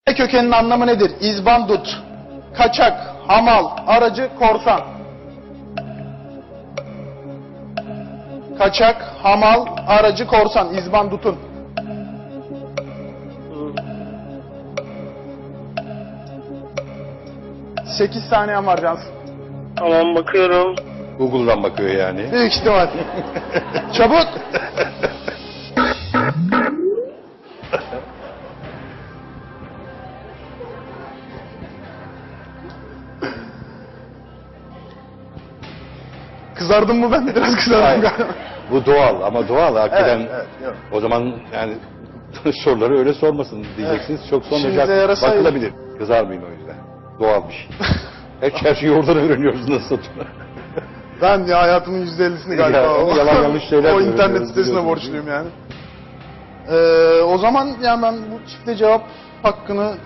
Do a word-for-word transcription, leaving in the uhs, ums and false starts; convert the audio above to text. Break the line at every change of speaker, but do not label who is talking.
Kökeninin anlamı nedir? İzbandut, kaçak, hamal, aracı, korsan. Kaçak, hamal, aracı, korsan. İzbandutun. Sekiz saniyen var Cansın.
Tamam, bakıyorum.
Google'dan bakıyor yani.
Büyük ihtimal. Çabuk. Kızardım mı ben? Biraz kızardım
Hayır.
galiba.
Bu doğal ama doğal hakikaten.
Evet, evet, yok.
O zaman yani soruları öyle sormasın diyeceksiniz. Çok
İşinize
sormayacak.
yarasaydı.
Bakılabilir. Kızarmayın o yüzden. Doğal bir şey. Her, her şeyi oradan öğreniyoruz nasıl.
Ben ya hayatımın yüzde ellisini galiba
Ya,
o,
yalan yanlış şeyler
o
de
internet
öğreniyoruz,
sitesine
biliyorsunuz.
borçluyum yani. Ee, o zaman yani ben bu çifte cevap hakkını